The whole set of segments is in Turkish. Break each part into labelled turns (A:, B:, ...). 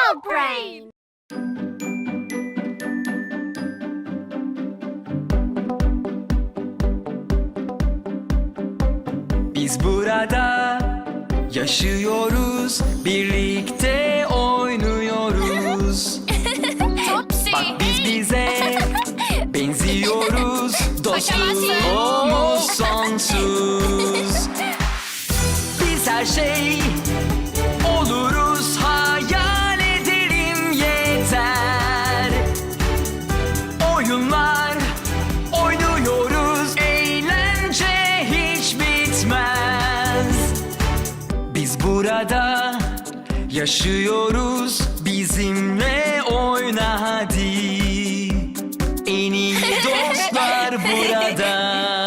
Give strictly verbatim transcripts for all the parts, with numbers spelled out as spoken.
A: Dog Brain.
B: Biz burada yaşıyoruz, birlikte oynuyoruz.
A: Topsy.
B: Bak biz bize benziyoruz, dostluğumuz sonsuz. Biz her şey oluruz, hayal edelim yeter. Oyunlar oynuyoruz, eğlence hiç bitmez. Biz burada yaşıyoruz, bizimle oyna hadi. En iyi dostlar burada.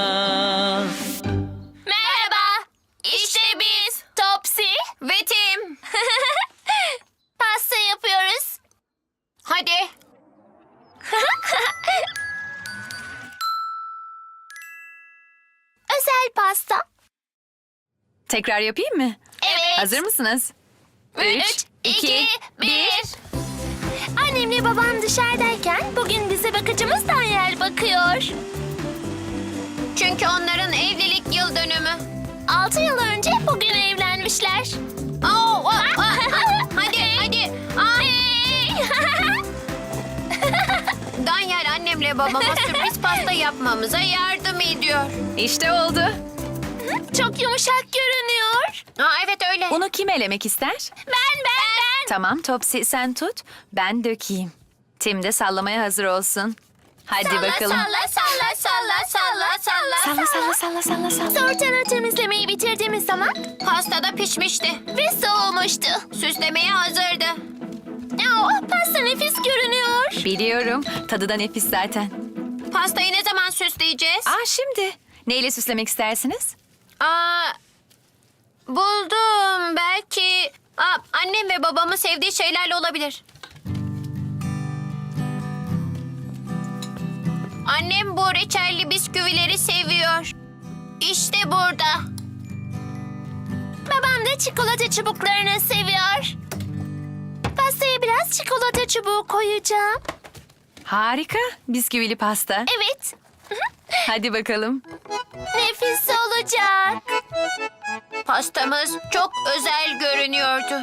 A: Merhaba. İşte biz. Topsy ve Tim. Pasta yapıyoruz. Hadi. Özel pasta.
C: Tekrar yapayım mı?
A: Evet.
C: Hazır mısınız?
A: Üç, iki, bir. Annemle babam dışarıdayken bugün bize bakıcımız Daniel bakıyor. Çünkü onların evlilik yıl dönümü. Altı yıl önce bugün evlenmişler. Oh, oh, oh. Hadi, hadi. Daniel annemle babama sürpriz pasta yapmamıza yardım ediyor.
C: İşte oldu.
A: Çok yumuşak görünüyor. Aa, evet öyle.
C: Bunu kim elemek ister?
A: Ben, ben, ben.
C: Tamam Topsy sen tut, ben dökeyim. Tim de sallamaya hazır olsun. Hadi
A: Salla,
C: bakalım.
A: Salla, salla, salla, salla, salla,
C: Salla salla salla salla salla.
A: Tortanı temizlemeyi bitirdiğimiz zaman pasta da pişmişti ve soğumuştu. Süslemeye hazırdı. Oh, pasta nefis görünüyor.
C: Biliyorum, tadı da nefis zaten.
A: Pastayı ne zaman süsleyeceğiz?
C: Aa şimdi, neyle süslemek istersiniz?
A: Aa, buldum. Belki Aa, annem ve babamın sevdiği şeylerle olabilir. Annem bu reçelli bisküvileri seviyor. İşte burada. Babam da çikolata çubuklarını seviyor. Pastaya biraz çikolata çubuğu koyacağım.
C: Harika, bisküvili pasta.
A: Evet,
C: Hadi bakalım.
A: nefis olacak. Pastamız çok özel görünüyordu.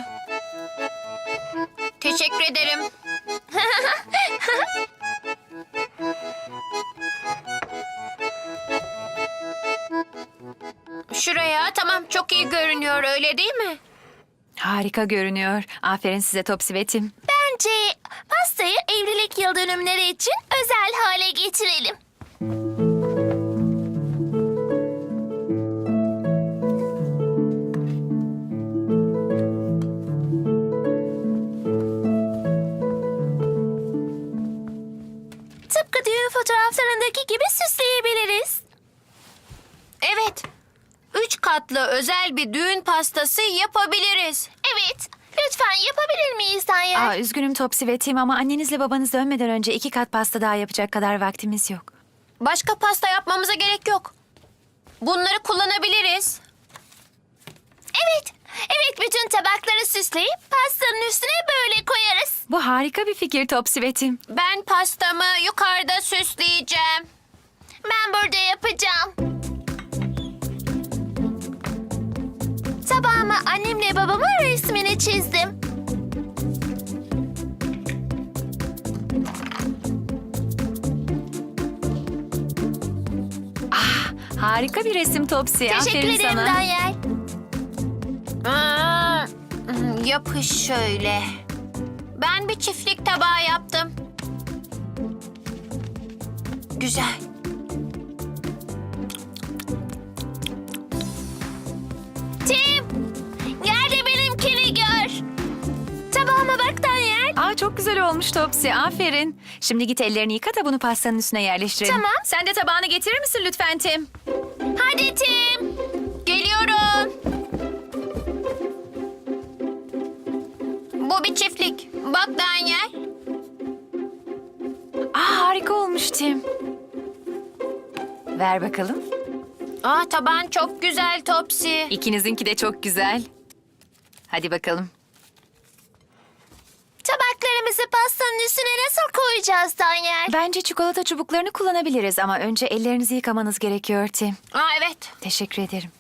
A: Teşekkür ederim. Şuraya, tamam, çok iyi görünüyor, öyle değil mi?
C: Harika görünüyor. Aferin size Topsy ve Tim.
A: Bence pastayı evlilik yıl dönümleri için özel hale getirelim. Tıpkı düğün fotoğraflarındaki gibi süsleyebiliriz. Evet. Üç katlı özel bir düğün pastası yapabiliriz. Evet. Lütfen yapabilir miyiz Danyal?
C: Aa, üzgünüm Topsy ve Tim ama annenizle babanız dönmeden önce iki kat pasta daha yapacak kadar vaktimiz yok.
A: Başka pasta yapmamıza gerek yok. Bunları kullanabiliriz. Evet. Evet, bütün tabakları süsleyip pastanın üstüne böyle koyarız.
C: Bu harika bir fikir Topsy ve Tim.
A: Ben pastamı yukarıda süsleyeceğim. Ben burada yapacağım. Tabağıma annemle babamın resmini çizdim.
C: Harika bir resim Topsy.
A: Teşekkür
C: Aferin
A: ederim
C: sana.
A: Danyal. Aa, yapış şöyle. Ben bir çiftlik tabağı yaptım. Güzel. Tim, gel de benimkini gör. Tabağıma bak Danyal.
C: Aa, çok güzel olmuş Topsy. Aferin. Şimdi git ellerini yıka da bunu pastanın üstüne yerleştirelim.
A: Tamam.
C: Sen de tabağını getirir misin lütfen Tim?
A: Hadi Tim. Geliyorum. Bu bir çiftlik. Bak Danyal.
C: Aa, harika olmuş Tim. Ver bakalım.
A: Aa, taban çok güzel Topsy.
C: İkinizinki de çok güzel. Hadi bakalım.
A: Taban Pekmezi pastanın üstüne nasıl koyacağız Daniel?
C: Bence çikolata çubuklarını kullanabiliriz ama önce ellerinizi yıkamanız gerekiyor Tim.
A: Aa evet.
C: Teşekkür ederim.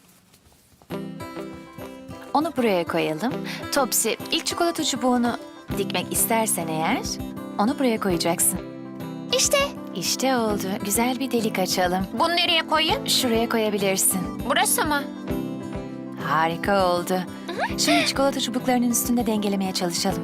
C: Onu buraya koyalım. Topsy, ilk çikolata çubuğunu dikmek istersen eğer onu buraya koyacaksın.
A: İşte.
C: İşte oldu. Güzel bir delik açalım.
A: Bunu nereye koyayım?
C: Şuraya koyabilirsin.
A: Burası mı?
C: Harika oldu. Şimdi çikolata çubuklarının üstünde dengelemeye çalışalım.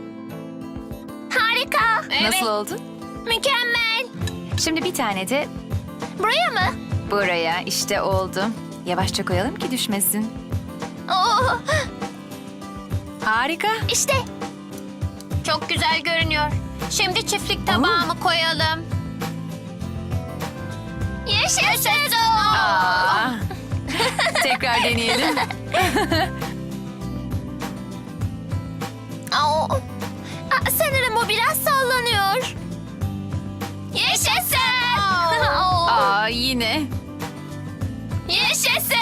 A: Harika.
C: Nasıl oldu?
A: Mükemmel.
C: Şimdi bir tane de
A: Buraya mı?
C: buraya. İşte oldu. Yavaşça koyalım ki düşmesin.
A: Oo,
C: Harika.
A: işte. Çok güzel görünüyor. Şimdi çiftlik tabağımı koyalım. Yaşasın.
C: Aa. Tekrar deneyelim.
A: Aa, Aa, sanırım o biraz sallanıyor. Yaşasın. Aa,
C: Aa, yine.
A: Yaşasın.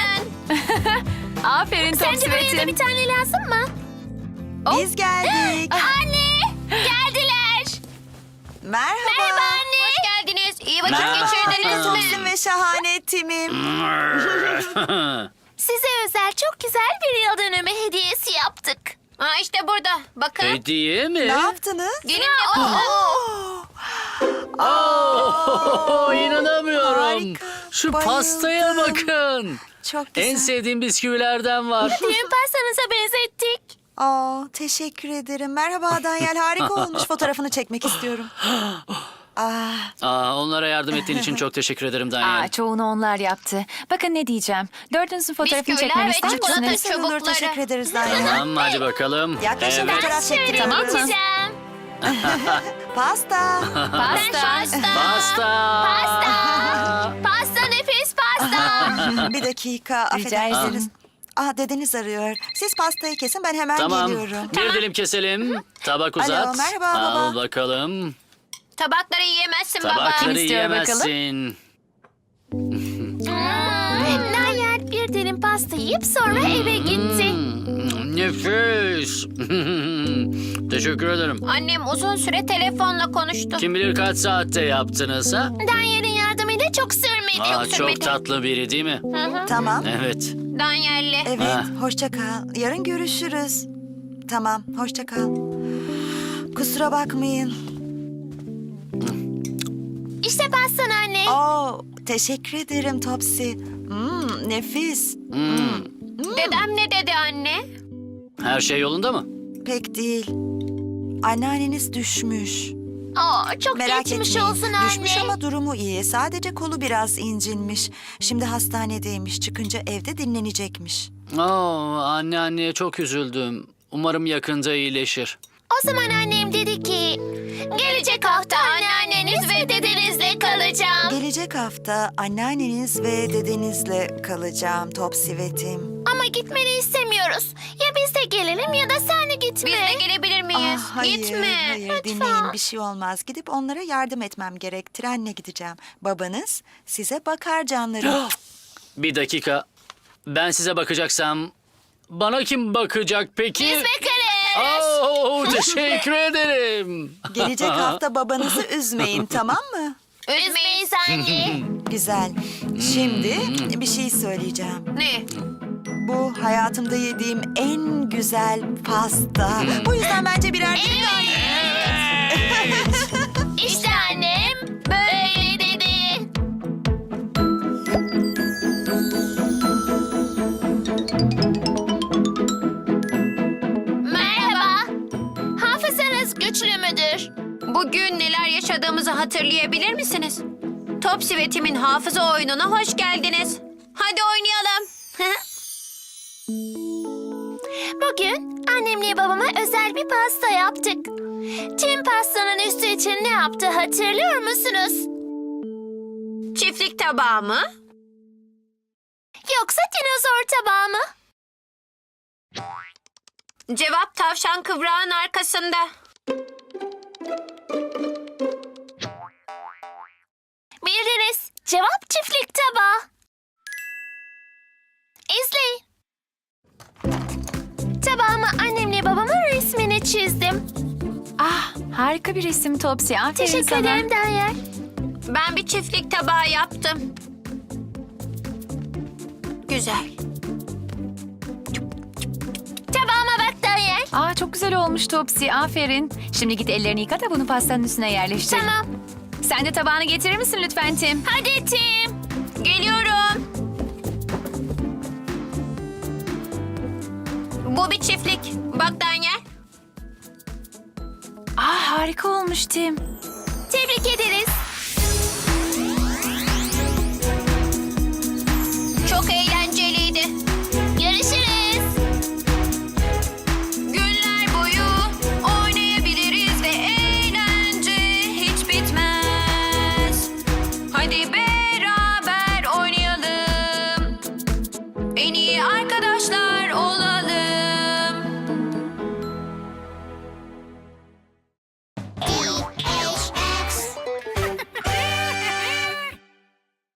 C: Aferin
A: Sence
C: Topsy ve
A: buraya da
C: Tim.
A: bir tane lazım mı?
D: Biz geldik.
A: Anne, geldiler.
D: Merhaba.
A: Merhaba anne. Hoş geldiniz. İyi vakit
B: Merhaba.
A: geçirdiniz
D: Topsin
A: mi?
D: ve şahane Tim'im.
A: Size özel çok güzel bir yıl dönümü hediyesi yaptık. Aa işte burada. Bakın.
E: Hediye mi?
D: Ne yaptınız?
A: Gelin de bakın.
E: Oo, inanamıyorum.
D: Harika,
E: Şu
D: bayıldım.
E: pastaya bakın.
D: Çok güzel.
E: En sevdiğim bisküvilerden var.
A: Düğün pastanıza benzettik.
D: Aa, teşekkür ederim. Merhaba Daniel, harika olmuş. Fotoğrafını çekmek istiyorum. Ah,
E: Aa, onlara yardım ettiğin için çok teşekkür ederim Daniel.
C: Aa, çoğunu onlar yaptı. Bakın ne diyeceğim. Dördünüzün fotoğrafını
A: Bisküviler
C: çekmemi
A: ve
C: ister
A: çikolata
C: misiniz?
A: çubuk.
D: olur,
A: Çubukları.
D: teşekkür ederiz Daniel.
E: Tamam hadi bakalım.
D: Yaklaşın
E: Evet.
D: fotoğraf
A: Şöyle
D: çektiriyoruz.
A: geçeceğim.
D: Pasta.
C: Pasta.
E: Pasta.
A: Pasta. Pasta nefis pasta.
D: Bir dakika,
C: Rica
D: affedersiniz.
C: ederim.
D: Ah, dedeniz arıyor. Siz pastayı kesin, ben hemen
E: Tamam.
D: geliyorum.
E: Bir dilim keselim. Tabak uzat.
D: merhaba
E: Al
D: baba.
E: bakalım.
A: Tabakları yiyemezsin baba.
E: Tabakları
C: istiyor bakalım?
E: yiyemezsin.
A: Daniel bir dilim pasta yiyip sonra eve gitti.
E: Hmm, nefis. Teşekkür ederim.
A: Annem uzun süre telefonla konuştu.
E: Kim bilir kaç saatte yaptınız ha?
A: Daniel'in yardımıyla çok sürmedi.
E: Aa,
A: yok sürmedi.
E: çok tatlı biri değil mi?
A: Hı hı.
D: Tamam.
E: Evet.
A: Daniel'le.
D: Evet,
E: Ha.
D: hoşça kal. Yarın görüşürüz. Tamam, hoşça kal. Kusura bakmayın.
A: İşte pastan anne.
D: Oo, teşekkür ederim Topsy. Hmm, nefis.
E: Hmm.
A: Dedem ne dedi anne?
E: Her şey yolunda mı?
D: Pek değil. Anneanneniz düşmüş.
A: Aa, çok
D: Merak
A: geçmiş
D: etmeyin.
A: olsun anne.
D: Düşmüş ama durumu iyi. Sadece kolu biraz incinmiş. Şimdi hastanedeymiş. Çıkınca evde dinlenecekmiş.
E: Oo, anne anneye çok üzüldüm. Umarım yakında iyileşir.
A: O zaman annem dedi ki... Gelecek hafta anneanneniz ve dedenizle kalacağım.
D: Gelecek hafta anneanneniz ve dedenizle kalacağım Topsy ve Tim.
A: Ama gitmeni istemiyoruz. Ya biz de gelelim ya da sen de gitme. Biz de gelebilir miyiz?
D: Ah, hayır,
A: Gitme.
D: hayır
A: Lütfen.
D: dinleyin bir şey olmaz. Gidip onlara yardım etmem gerek. Trenle gideceğim. Babanız size bakar canlarım.
E: Bir dakika. Ben size bakacaksam bana kim bakacak peki?
A: Biz bakarız.
E: Oo, teşekkür ederim.
D: Gelecek hafta babanızı üzmeyin, tamam mı?
A: Üzmeyiz anne.
D: Güzel. Şimdi bir şey söyleyeceğim.
A: Ne?
D: Bu hayatımda yediğim en güzel pasta. Bu yüzden bence birer dilim daha yiyin.
A: İşte annem böyle dedi. Merhaba. Hafızanız güçlü müdür? Bugün neler yaşadığımızı hatırlayabilir misiniz? Topsy ve Tim'in hafıza oyununa hoş geldiniz. Hadi oynayalım. Bugün annemle babama özel bir pasta yaptık. Tim pastanın üstü için ne yaptı hatırlıyor musunuz? Çiftlik tabağı mı? Yoksa dinozor tabağı mı? Cevap tavşan kıvrağın arkasında. Bildiniz. Cevap çiftlik tabağı. İzleyin. Tabağıma annemle babamın resmini çizdim.
C: Ah Harika bir resim Topsy. Aferin
A: Teşekkür
C: sana.
A: ederim Daniel.
F: Ben bir çiftlik tabağı yaptım. Güzel.
A: Tabağıma bak Daniel.
C: Aa, çok güzel olmuş Topsy. Aferin. Şimdi git ellerini yıka da bunu pastanın üstüne yerleştir.
A: Tamam.
C: Sen de tabağını getirir misin lütfen Tim?
A: Hadi Tim.
F: Geliyorum. Bu bir çiftlik. Bak Daniel.
C: Aa, harika olmuş Tim.
A: Tebrik ederiz.